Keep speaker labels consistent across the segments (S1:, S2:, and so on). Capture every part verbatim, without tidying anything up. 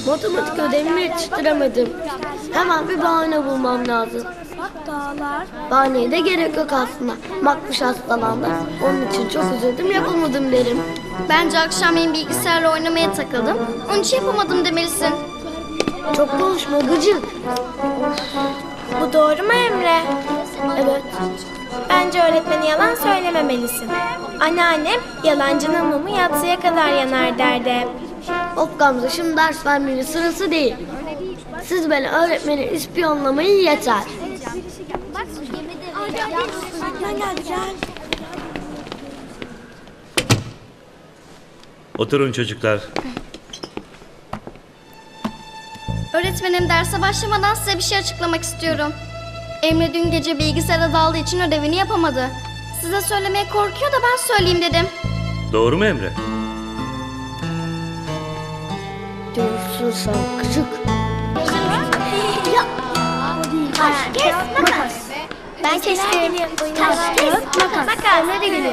S1: Matematik ödevimi yetiştiremedim. Hemen bir bahane bulmam lazım.
S2: Dağlar.
S1: Bahaneye de gerek yok aslında. Makbuş hastalandı. Onun için çok üzüldüm, yapamadım derim.
S3: Bence akşamleyin bilgisayarla oynamaya takıldım. Onun için yapamadım demelisin.
S1: Çok konuşma gıcık.
S2: Bu doğru mu Emre?
S1: Evet.
S2: Bence öğretmeni yalan söylememelisin. Anneannem yalancının mumu yatsıya kadar yanar derdi.
S1: Of Gamze, şimdi ders vermenin sırası değil. Siz beni öğretmeni ispiyonlamayın yeter.
S2: Gel gel gel.
S4: Oturun çocuklar.
S3: Öğretmenim, derse başlamadan size bir şey açıklamak istiyorum. Emre dün gece bilgisayara daldığı için ödevini yapamadı. Size söylemeye korkuyor da ben söyleyeyim dedim.
S4: Doğru mu Emre?
S1: Diyorsun sen gıcık. Taş, kes, makas.
S3: Ben kestim.
S1: Taş, kes, makas. Emre de geliyor.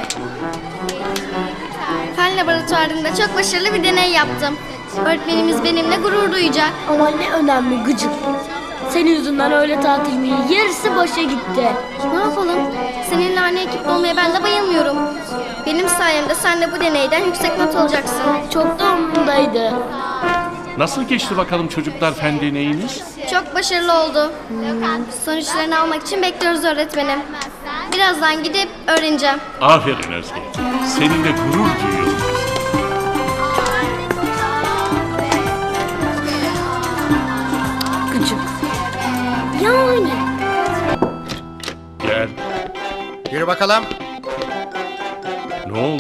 S3: Fen laboratuvarında çok başarılı bir deney yaptım. Öğretmenimiz benimle gurur duyacak.
S1: Ama ne önemli gıcık. Senin yüzünden öğle tatilimin yarısı boşa gitti.
S3: Ne yapalım? Seninle aynı ekipte olmaya ben de bayılmıyorum. Benim sayemde sen de bu deneyden yüksek not alacaksın.
S1: Çok da umurumdaydı.
S5: Nasıl geçti bakalım çocuklar fen deneyiniz?
S3: Çok başarılı oldu. Sonuçlarını almak için bekliyoruz öğretmenim. Birazdan gidip öğreneceğim.
S5: Aferin Özge. Seninle gurur duyuyorum.
S1: Gıcık. Yani.
S5: Gel.
S6: Yürü bakalım.
S5: Ne oldu?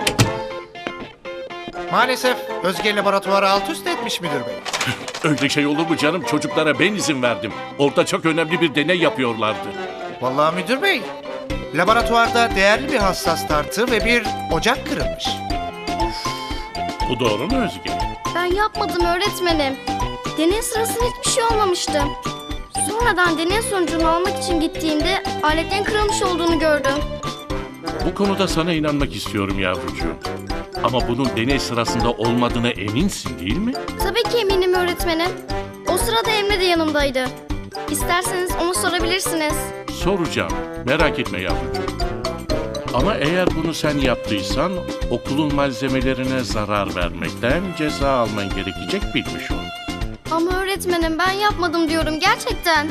S6: Maalesef Özge laboratuvarı alt üst etmiş müdür bey.
S5: Öyle şey olur mu canım? Çocuklara ben izin verdim. Orada çok önemli bir deney yapıyorlardı.
S6: Vallahi müdür bey, laboratuvarda değerli bir hassas tartı ve bir ocak kırılmış.
S5: Bu doğru mu Özge?
S3: Ben yapmadım öğretmenim. Deney sırasında hiçbir şey olmamıştı. Sonradan deney sonucunu almak için gittiğimde aletlerin kırılmış olduğunu gördüm.
S5: Bu konuda sana inanmak istiyorum yavrucuğum. Ama bunun deney sırasında olmadığına eminsin değil mi?
S3: Tabii ki eminim öğretmenim. O sırada Emre de yanımdaydı. İsterseniz onu sorabilirsiniz.
S5: Soracağım. Merak etme yavrucuğum. Ama eğer bunu sen yaptıysan okulun malzemelerine zarar vermekten ceza alman gerekecek, bilmiş ol.
S3: Ama öğretmenim ben yapmadım diyorum gerçekten.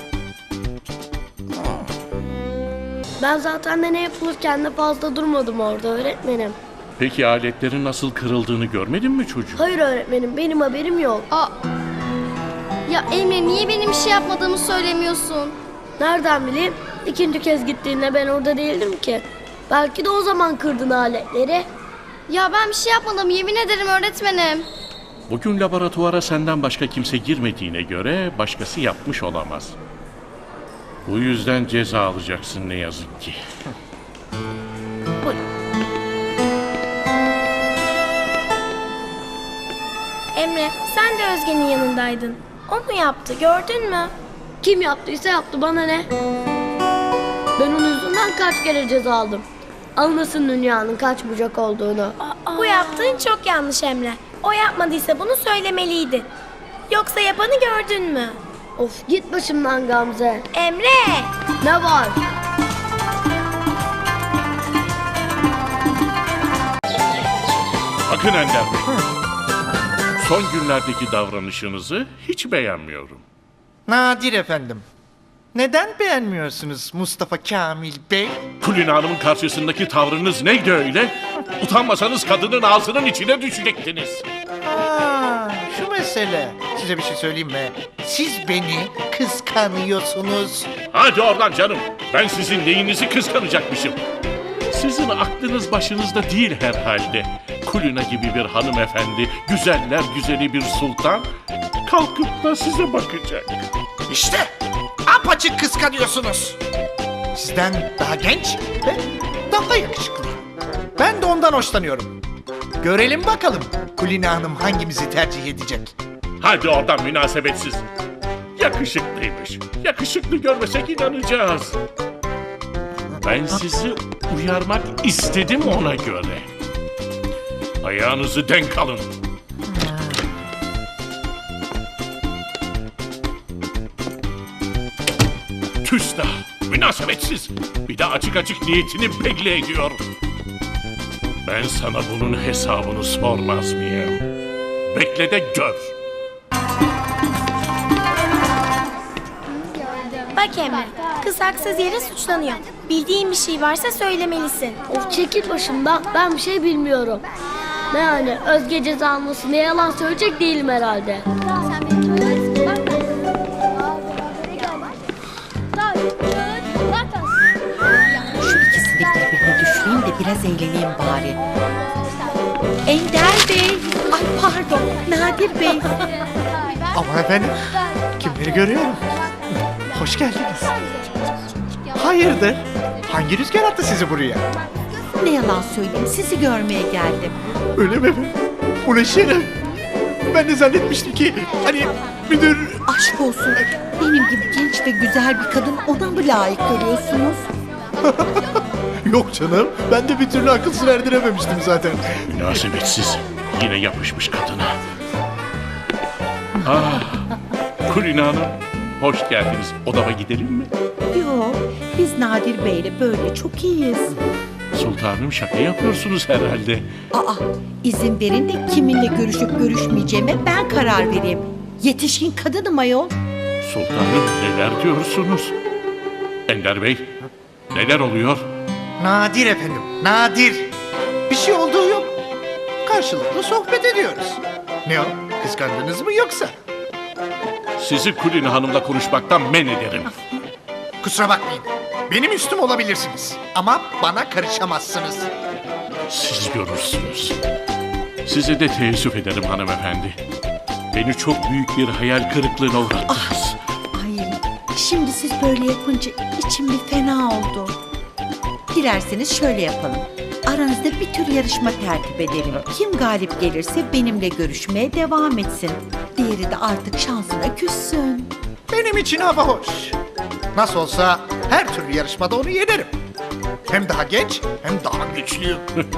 S1: Ben zaten de ne yapılırken de fazla durmadım orada öğretmenim.
S5: Peki aletlerin nasıl kırıldığını görmedin mi çocuğum?
S1: Hayır öğretmenim, benim haberim yok.
S3: Aa, ya Emre niye benim bir şey yapmadığımı söylemiyorsun?
S1: Nereden bileyim? İkinci kez gittiğinde ben orada değildim ki. Belki de o zaman kırdın aletleri.
S3: Ya ben bir şey yapmadım, yemin ederim öğretmenim.
S5: Bugün laboratuvara senden başka kimse girmediğine göre başkası yapmış olamaz. Bu yüzden ceza alacaksın ne yazık ki.
S2: Emre, sen de Özge'nin yanındaydın. O mu yaptı, gördün mü?
S1: Kim yaptıysa yaptı, bana ne? Ben onun yüzünden kaç kere ceza aldım. Anlasın dünyanın kaç bucak olduğunu.
S2: Bu yaptığın çok yanlış Emre. O yapmadıysa bunu söylemeliydi. Yoksa yapanı gördün mü?
S1: Of, git başımdan Gamze.
S2: Emre!
S1: Ne var?
S5: Bakın Ender Bey. Son günlerdeki davranışınızı hiç beğenmiyorum.
S6: Nadir efendim. Neden beğenmiyorsunuz Mustafa Kamil Bey?
S5: Kulina Hanım'ın karşısındaki tavrınız neydi öyle? Utanmasanız kadının ağzının içine düşecektiniz.
S6: Aa, şu mesele. Size bir şey söyleyeyim mi? Siz beni kıskanıyorsunuz.
S5: Hadi oradan canım. Ben sizin neyinizi kıskanacakmışım. Sizin aklınız başınızda değil herhalde. Kulina gibi bir hanımefendi, güzeller güzeli bir sultan kalkıp da size bakacak.
S6: İşte apaçık kıskanıyorsunuz. Sizden daha genç ve daha yakışıklı. Ben de ondan hoşlanıyorum. Görelim bakalım Kulina Hanım hangimizi tercih edecek.
S5: Hadi oradan münasebetsiz. Yakışıklıymış. Yakışıklı görmesek inanacağız. Ben sizi uyarmak istedim ona göre. Ayağınızı denk alın. Küstah, münasebetsiz. Bir de açık açık niyetini belli ediyor. Ben sana bunun hesabını sormaz mıyım? Bekle de gör.
S2: Bak Emre, kız haksız yere suçlanıyor. Bildiğin bir şey varsa söylemelisin.
S1: Of çekil başımdan, ben bir şey bilmiyorum. Ne yani, Özge ceza almasın diye yalan söyleyecek değilim herhalde.
S7: Şu ikisini birbirine düşüreyim de biraz eğleneyim bari. Ender Bey, ay pardon, Nadir Bey.
S6: Ama efendim, kimleri görüyorum? Hoş geldiniz. Hayırdır? Hangi rüzgar attı sizi buraya?
S7: Ne yalan söyleyeyim, sizi görmeye geldim.
S6: Öyle mi efendim? Bu ne şeref? Ben de zannetmiştim ki hani müdür...
S7: Aşk olsun, benim gibi genç ve güzel bir kadın ona mı layık görüyorsunuz?
S6: Yok canım, ben de bir türlü akıl sır erdirememiştim zaten.
S5: Münasebetsiz. Yine yapışmış kadına. Ah, Kulina Hanım. Hoş geldiniz. Odama gidelim mi?
S7: Yok, biz Nadir Bey'le böyle çok iyiyiz.
S5: Sultanım şaka yapıyorsunuz herhalde.
S7: Aa, izin verin de kiminle görüşüp görüşmeyeceğime ben karar vereyim. Yetişkin kadınım ayol.
S5: Sultanım neler diyorsunuz? Ender Bey, neler oluyor?
S6: Nadir efendim, nadir. Bir şey olduğu yok. Karşılıklı sohbet ediyoruz. Ne o, kıskandınız mı yoksa?
S5: Sizi Kulina Hanım'la konuşmaktan men ederim.
S6: Kusura bakmayın. Benim üstüm olabilirsiniz. Ama bana karışamazsınız.
S5: Siz görürsünüz. Size de teessüf ederim hanımefendi. Beni çok büyük bir hayal kırıklığına uğrattınız.
S7: Ay, şimdi siz böyle yapınca içim bir fena oldu. Dilerseniz şöyle yapalım. Aranızda bir tür yarışma tertip edelim. Kim galip gelirse benimle görüşmeye devam etsin. Diğeri de artık şansına küssün.
S6: Benim için hava hoş. Nasıl olsa her türlü yarışmada onu yenerim. Hem daha genç hem daha güçlüyüm.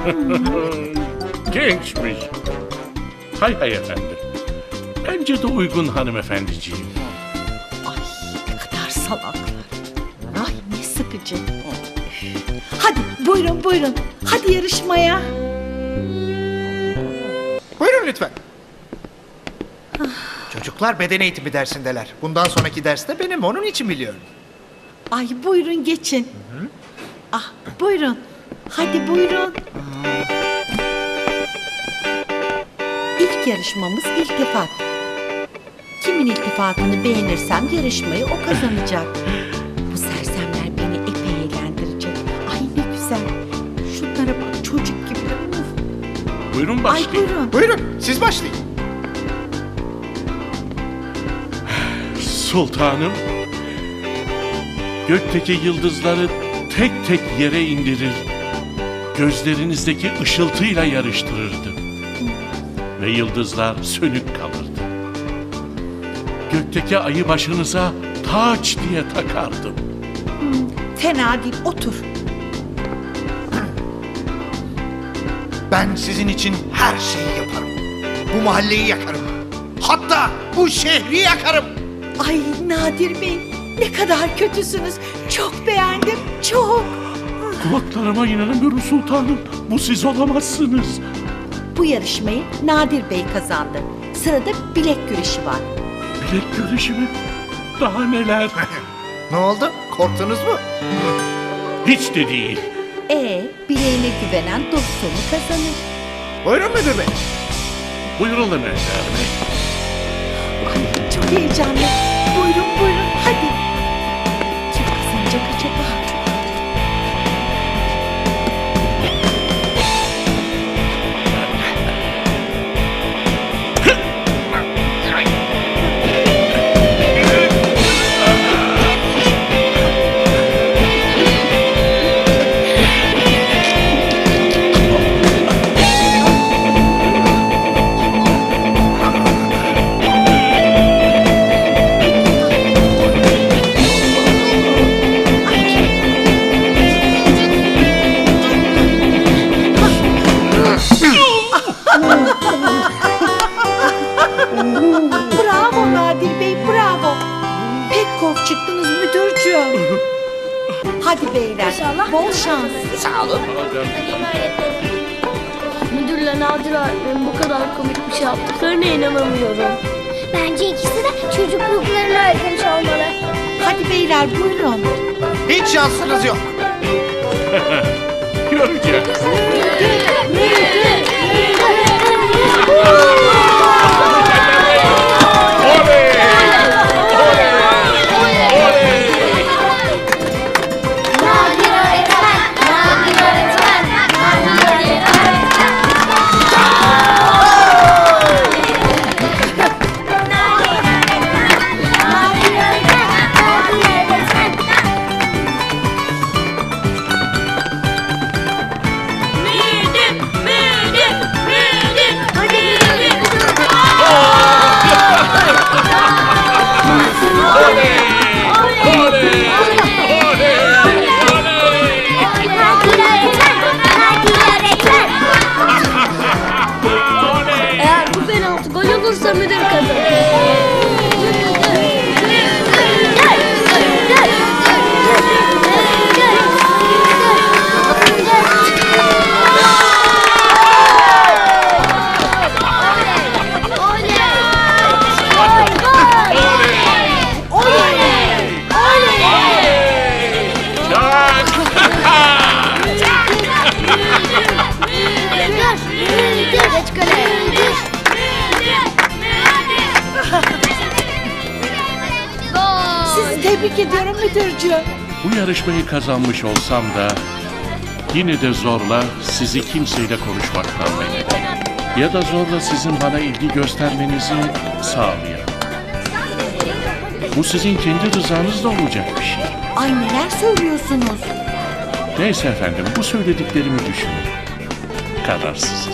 S5: Gençmiş. Hay hay efendim. Bence de uygun hanımefendiciğim.
S7: Ay ne kadar salaklar. Ay ne sıkıcı. Hadi buyurun buyurun. Hadi yarışmaya.
S6: Buyurun lütfen. Çocuklar beden eğitimi dersindeler. Bundan sonraki derste benim, onun için biliyorum.
S7: Ay buyurun geçin. Ah buyurun. Hadi buyurun. İlk yarışmamız iltifat. Kimin iltifatını beğenirsem yarışmayı o kazanacak. Bu sersemler beni epey eğlendirecek. Ay ne güzel. Şunlara bak çocuk gibi. Uf.
S5: Buyurun
S7: Ay
S5: başlayın.
S7: buyurun.
S6: Buyurun, siz başlayın.
S5: Sultanım, gökteki yıldızları tek tek yere indirir, gözlerinizdeki ışıltıyla yarıştırırdım. Ve yıldızlar sönük kalırdı. Gökteki ayı başınıza taç diye takardım.
S7: Fena değil otur.
S6: Ben sizin için her şeyi yaparım. Bu mahalleyi yakarım. Hatta bu şehri yakarım.
S7: Ay Nadir Bey ne kadar kötüsünüz. Çok beğendim çok.
S5: Kulaklarıma inanamıyorum sultanım. Bu siz olamazsınız.
S7: Bu yarışmayı Nadir Bey kazandı. Sırada bilek güreşi var.
S5: Bilek güreşi mi? Daha neler?
S6: Ne oldu? Korktunuz mu?
S5: Hiç de değil.
S7: E bileğine güvenen dostunu kazanır.
S6: Buyurun müdür bey.
S5: Buyurun Ender Bey.
S7: Ay çok heyecanlı. Buyurun buyurun hadi. Kim kazanacak acaba? Bravo Nadir Bey bravo. pek kork çıktınız müdürcüğüm. Hadi beyler, bol şans.
S6: Sağ olun.
S1: Müdürle Nadir öğretmenin bu kadar komik bir şey yaptıklarına inanamıyorum.
S2: Bence ikisi de çocukluklarını öğretmiş olmalı.
S7: Hadi beyler buyurun.
S6: Hiç şansınız yok.
S5: Göreceğiz.
S3: Nadir öğretmen, Nadir öğretmen, Nadir öğretmen.
S1: Eğer bu penaltı gol olursa müdür kazanır.
S3: Geç kaleye.
S7: Sizi tebrik ediyorum müdürcüğüm.
S5: Bu yarışmayı kazanmış olsam da yine de zorla sizi kimseyle konuşmaktan men ederim. Ya da zorla sizin bana ilgi göstermenizi sağlayayım. Bu sizin kendi rızanızla olacak bir şey.
S7: Ay neler söylüyorsunuz?
S5: Neyse efendim, bu söylediklerimi düşünün. Kararsız.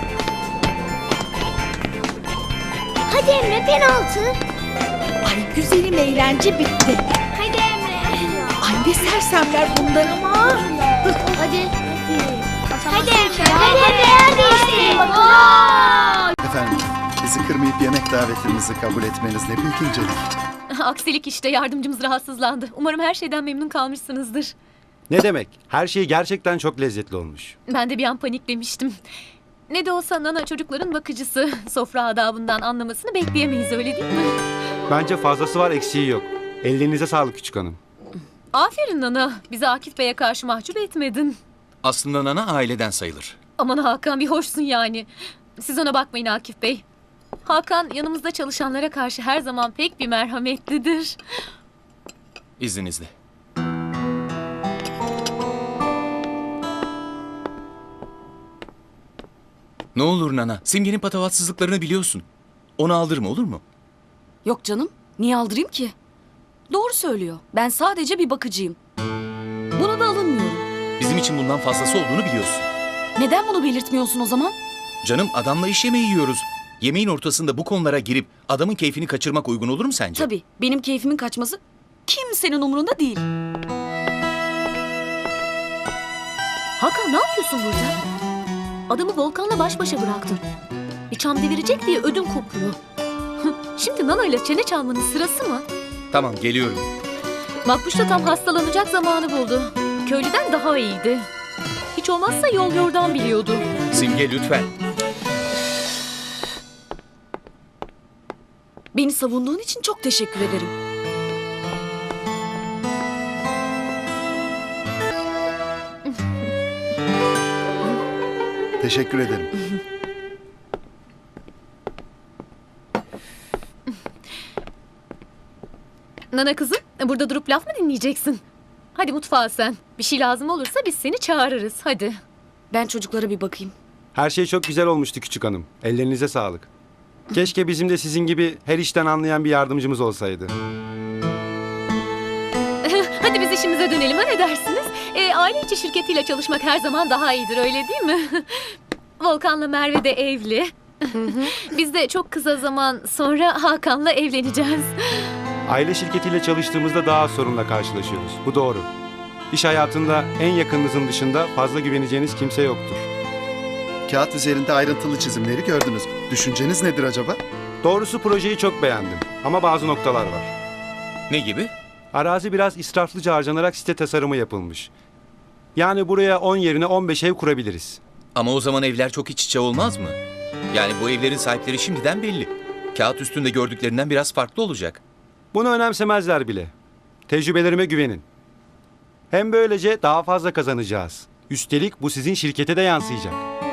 S2: Hadi Emre penaltı.
S7: Ay güzelim eğlence bitti.
S2: Hadi Emre.
S7: Ay ne sersemler bunlar ama.
S1: Hadi.
S2: Hadi Emre. Hadi Emre yer değiştirelim bakalım.
S8: Efendim, bizi kırmayıp yemek davetimizi kabul etmeniz ne büyük incelik.
S9: Aksilik işte, yardımcımız rahatsızlandı. Umarım her şeyden memnun kalmışsınızdır.
S10: Ne demek? Her şey gerçekten çok lezzetli olmuş.
S9: Ben de bir an paniklemiştim. Ne de olsa Nana çocukların bakıcısı. Sofra adabından anlamasını bekleyemeyiz, öyle değil mi?
S10: Bence fazlası var, eksiği yok. Ellerinize sağlık küçük hanım.
S9: Aferin Nana. Bizi Akif Bey'e karşı mahcup etmedin.
S11: Aslında Nana aileden sayılır.
S9: Aman Hakan, bir hoşsun yani. Siz ona bakmayın Akif Bey. Hakan yanımızda çalışanlara karşı her zaman pek bir merhametlidir.
S11: İzninizle. Ne olur Nana, Simge'nin patavatsızlıklarını biliyorsun. Onu aldırma, olur mu?
S12: Yok canım. Niye aldırayım ki? Doğru söylüyor. Ben sadece bir bakıcıyım. Buna da alınmıyorum.
S11: Bizim için bundan fazlası olduğunu biliyorsun.
S12: Neden bunu belirtmiyorsun o zaman?
S11: Canım, adamla iş yemeği yiyoruz. Yemeğin ortasında bu konulara girip adamın keyfini kaçırmak uygun olur mu sence?
S12: Tabii. Benim keyfimin kaçması kimsenin umurunda değil.
S9: Hakan, ne yapıyorsun burada? Adamı Volkan'la baş başa bıraktın. Bir çam devirecek diye ödüm kopuyor. Şimdi Nana ile çene çalmanın sırası mı?
S11: Tamam, geliyorum.
S9: Makbuş da tam hastalanacak zamanı buldu. Köylüden daha iyiydi. Hiç olmazsa yol yordan biliyordu.
S11: Simge lütfen.
S12: Beni savunduğun için çok teşekkür ederim.
S8: Teşekkür ederim.
S9: Nana kızım, burada durup laf mı dinleyeceksin? Hadi mutfağa sen. Bir şey lazım olursa biz seni çağırırız, hadi.
S12: Ben çocuklara bir bakayım.
S10: Her şey çok güzel olmuştu küçük hanım. Ellerinize sağlık. Keşke bizim de sizin gibi her işten anlayan bir yardımcımız olsaydı.
S9: Hadi biz işimize dönelim, ha, ne dersiniz? Ee, aile içi şirketiyle çalışmak her zaman daha iyidir, öyle değil mi? Volkan'la Merve de evli. Biz de çok kısa zaman sonra Hakan'la evleneceğiz.
S10: Aile şirketiyle çalıştığımızda daha az sorunla karşılaşıyoruz. Bu doğru. İş hayatında en yakınınızın dışında fazla güveneceğiniz kimse yoktur.
S8: Kağıt üzerinde ayrıntılı çizimleri gördünüz. Düşünceniz nedir acaba?
S10: Doğrusu projeyi çok beğendim ama bazı noktalar var.
S11: Ne gibi?
S10: Arazi biraz israflıca harcanarak site tasarımı yapılmış. Yani buraya on yerine on beş ev kurabiliriz.
S11: Ama o zaman evler çok iç içe olmaz mı? Yani bu evlerin sahipleri şimdiden belli. Kağıt üstünde gördüklerinden biraz farklı olacak.
S10: Bunu önemsemezler bile. Tecrübelerime güvenin. Hem böylece daha fazla kazanacağız. Üstelik bu sizin şirkete de yansıyacak.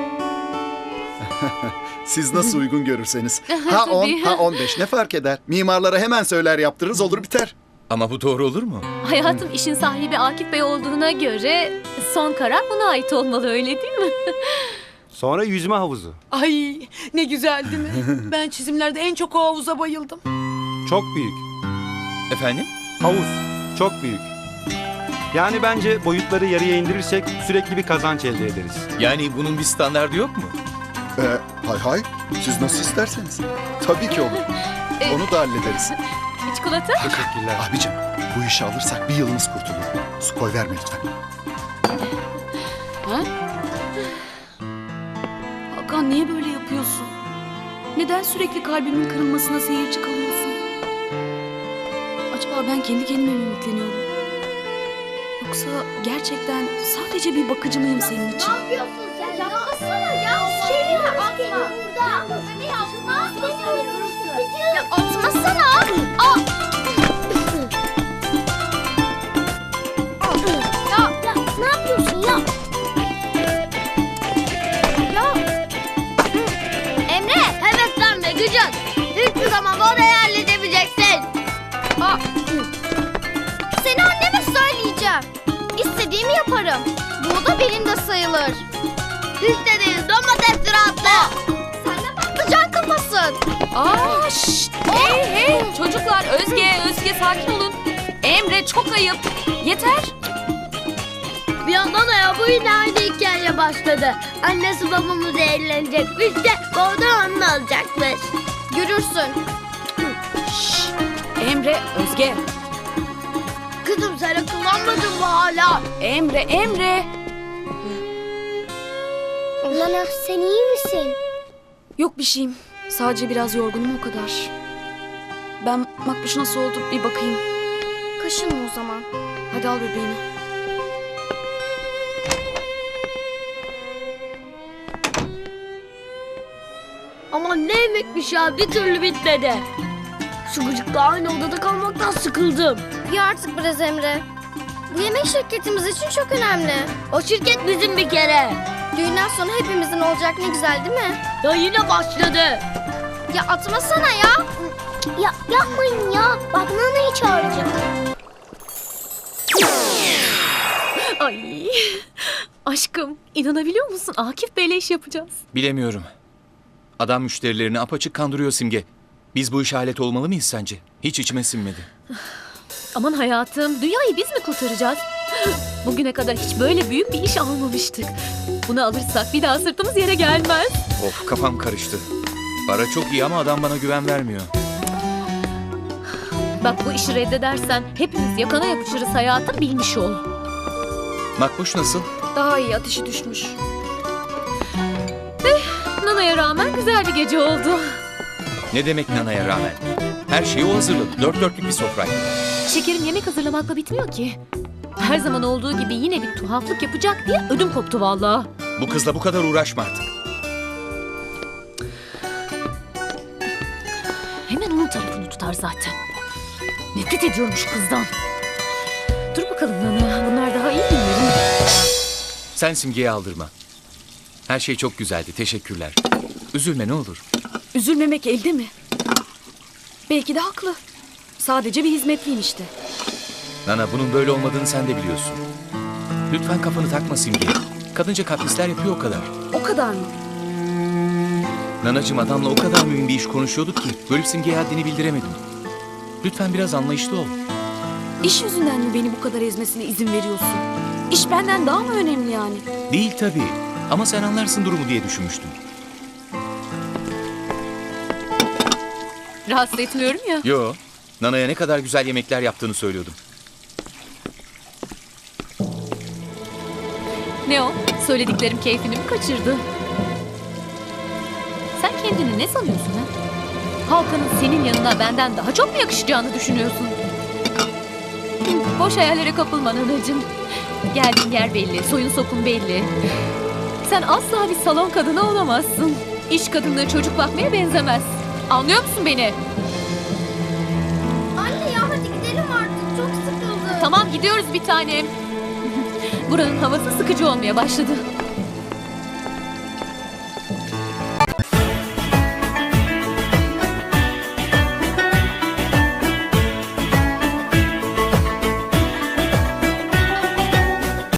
S8: Siz nasıl uygun görürseniz. Ha on, ha on beş ne fark eder? Mimarlara hemen söyler yaptırırız olur biter.
S11: Ama bu doğru olur mu?
S9: Hayatım, işin sahibi Akif Bey olduğuna göre son karar buna ait olmalı, öyle değil mi?
S10: Sonra yüzme havuzu.
S13: Ay ne güzel değil mi? Ben çizimlerde en çok o havuza bayıldım.
S10: Çok büyük.
S11: Efendim?
S10: Havuz. Çok büyük. Yani bence boyutları yarıya indirirsek sürekli bir kazanç elde ederiz.
S11: Yani bunun bir standardı yok mu?
S8: Ee, hay hay siz nasıl isterseniz. Tabii ki olur. Onu da hallederiz.
S9: Çikolata?
S10: Teşekkürler.
S8: Abicim bu işi alırsak bir yılımız kurtulur. Su koy verme lütfen.
S12: Ha? Hakan niye böyle yapıyorsun? Neden sürekli kalbimin kırılmasına seyirci kalıyorsun? Acaba ben kendi kendime mi ümitleniyorum? Yoksa gerçekten sadece bir bakıcı mıyım senin için?
S1: Ne yapıyorsun sen? Yapmasana ya. Şey yapma. Burada. Ne yapma?
S3: Ya atmasana. Aa!
S1: Ya, ya ne yapıyorsun ya?
S3: Ya. Emre.
S1: Heveslenme gıcık. Hiçbir zaman bu odayı halledemeyeceksin.
S3: Aa. Seni anneme söyleyeceğim. İstediğimi yaparım. Bu da benim de sayılır.
S1: İstediğin domates rahatla.
S3: Sen de patlıcan kafasın.
S12: Aa, şşt. Hey hey çocuklar, Özge, Özge sakin olun. Emre çok ayıp. Yeter.
S1: Bir yandan da ya bu yine aynı hikaye başladı. Annesi babamız eğlenecekmiş de oradan onu alacakmış.
S3: Görürsün.
S12: Şşt. Emre, Özge.
S1: Kızım sen akıllanmadın mı hala?
S12: Emre, Emre.
S1: Nana sen iyi misin?
S12: Yok bir şeyim. Sadece biraz yorgunum o kadar. Ben Makbuş nasıl oldu bir bakayım.
S3: Kaşınma o zaman.
S12: Hadi al bebeğini.
S1: Aman ne yemekmiş ya bir türlü bitmedi. Şu gıcıkla aynı odada kalmaktan sıkıldım.
S3: Ya artık biraz Emre. Bu yemek şirketimiz için çok önemli.
S1: O şirket bizim bir kere.
S3: Düğünden sonra hepimizin olacak, ne güzel değil mi?
S1: Ya yine başladı.
S3: Ya atmasana ya.
S1: Ya yapmayın ya. Bak Nana'yı çağıracağım.
S9: Ay. Aşkım, inanabiliyor musun? Akif Bey'le iş yapacağız.
S11: Bilemiyorum. Adam müşterilerini apaçık kandırıyor Simge. Biz bu işe alet olmalı mıyız sence? Hiç içime sinmedi.
S9: Aman hayatım, dünyayı biz mi kurtaracağız? Bugüne kadar hiç böyle büyük bir iş almamıştık. Bunu alırsak bir daha sırtımız yere gelmez.
S11: Of, kafam karıştı. Para çok iyi ama adam bana güven vermiyor.
S9: Bak, bu işi reddedersen hepimiz yakana yapışırız hayatım, bilmiş ol.
S11: Makbuş nasıl?
S12: Daha iyi, ateşi düşmüş.
S9: Nana'ya rağmen güzel bir gece oldu.
S11: Ne demek Nana'ya rağmen? Her şeyi o hazırladı. Dört dörtlük bir sofraydı.
S9: Şekerim, yemek hazırlamakla bitmiyor ki. Her zaman olduğu gibi yine bir tuhaflık yapacak diye ödüm koptu vallahi.
S11: Bu kızla bu kadar uğraşma artık.
S9: Hemen onun tarafını tutar zaten. Nefret ediyorum şu kızdan. Dur bakalım Nana, bunlar daha iyi günlerin.
S11: Sen Simge'yi aldırma. Her şey çok güzeldi. Teşekkürler. Üzülme ne olur.
S12: Üzülmemek elde mi? Belki de haklı. Sadece bir hizmetliyim işte.
S11: Nana, bunun böyle olmadığını sen de biliyorsun. Lütfen kafanı takma Simge'ye. Kadınca kaprisler yapıyor o kadar.
S12: O kadar mı?
S11: Nanacığım, adamla o kadar mühim bir iş konuşuyorduk ki bölüp Simge'ye haddini bildiremedim. Lütfen biraz anlayışlı ol.
S12: İş yüzünden mi beni bu kadar ezmesine izin veriyorsun? İş benden daha mı önemli yani?
S11: Değil tabii. Ama sen anlarsın durumu diye düşünmüştüm.
S9: Rahatsız etmiyorum ya.
S11: Yo, Nana'ya ne kadar güzel yemekler yaptığını söylüyordum.
S9: Ne o? Söylediklerim keyfini mi kaçırdı? Sen kendini ne sanıyorsun ha? Halkanın senin yanına benden daha çok mu yakışacağını düşünüyorsun? Boş hayallere kapılma Nanacığım. Geldiğin yer belli, soyun sopun belli. Sen asla bir salon kadını olamazsın. İş kadınlığı çocuk bakmaya benzemez. Anlıyor musun beni?
S3: Anne ya hadi gidelim artık. Çok sıkıldım.
S9: Tamam gidiyoruz bir tanem. Buranın havası sıkıcı olmaya başladı.